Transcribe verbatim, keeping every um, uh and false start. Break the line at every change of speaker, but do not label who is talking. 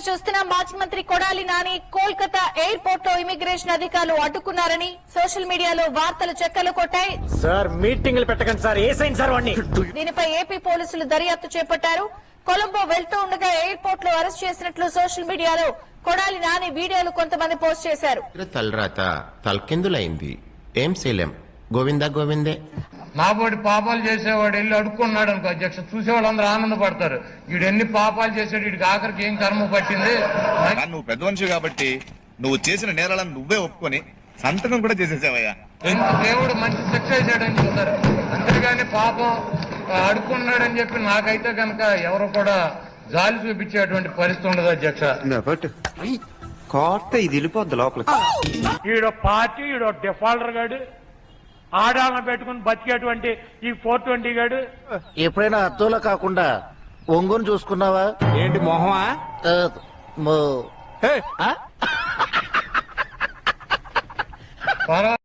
మీరు చూస్తున్న మాజీ మంత్రి కొడాలి నాని కోల్కతా ఎయిర్పోర్ట్ లో ఇమిగ్రేషన్ అధికారులు అడ్డుకున్నారని సోషల్ మీడియాలో వార్తలు చెక్కలు కొట్టాయి.
సార్ మీటింగ్లు పెట్టకండి సార్, ఏ సైన్ సార్ వాడిని.
దీనిపై ఏపీ పోలీసులు దర్యాప్తు చేపట్టారు. కొలంబో వెళ్తూ ఉండగా ఎయిర్పోర్ట్ లో అరెస్ట్ చేసినట్లు సోషల్ మీడియాలో కొడాలి నాని వీడియోలు కొంతమంది పోస్ట్ చేశారు.
తలరాత తలకిందులైంది, ఏం చేయలేం, గోవిందా గోవిందే.
నాబోటి పాపాలు చేసేవాడు వెళ్ళి అడుక్కున్నాడు అనుకో అధ్యక్ష, చూసేవాళ్ళందరూ ఆనందపడతారు. వీడు ఎన్ని పాపాలు చేసాడు, వీడికి ఆఖరికి ఏం కర్మ పట్టింది.
నువ్వు పెద్ద మనిషి కాబట్టి నువ్వు చేసిన నేరాలను నువ్వే ఒప్పుకొని సంతకం కూడా చేసేసావయ్యా.
ఎంత దేవుడు మంచి శిక్ష వేసాడని చెప్తారు, అంతేగాని పాపం అడుక్కున్నాడని చెప్పి నాకైతే కనుక ఎవరు కూడా జాలి చూపించేటువంటి పరిస్థితి ఉండదు అధ్యక్ష.
కోర్త ఇది వెళ్ళిపోద్ది లోపలికి.
ఈడో పార్టీ, ఈడో డిఫాల్టర్ గాడు, ఆడాలను పెట్టుకుని బతికేటువంటి ఈ ఫోర్ ట్వంటీ గాడు.
ఎప్పుడైనా అద్దంలో కాకుండా ఒంగోని చూసుకున్నావా?
ఏంటి మొహమా?
ఆ, మో-
పర్వాలేదు.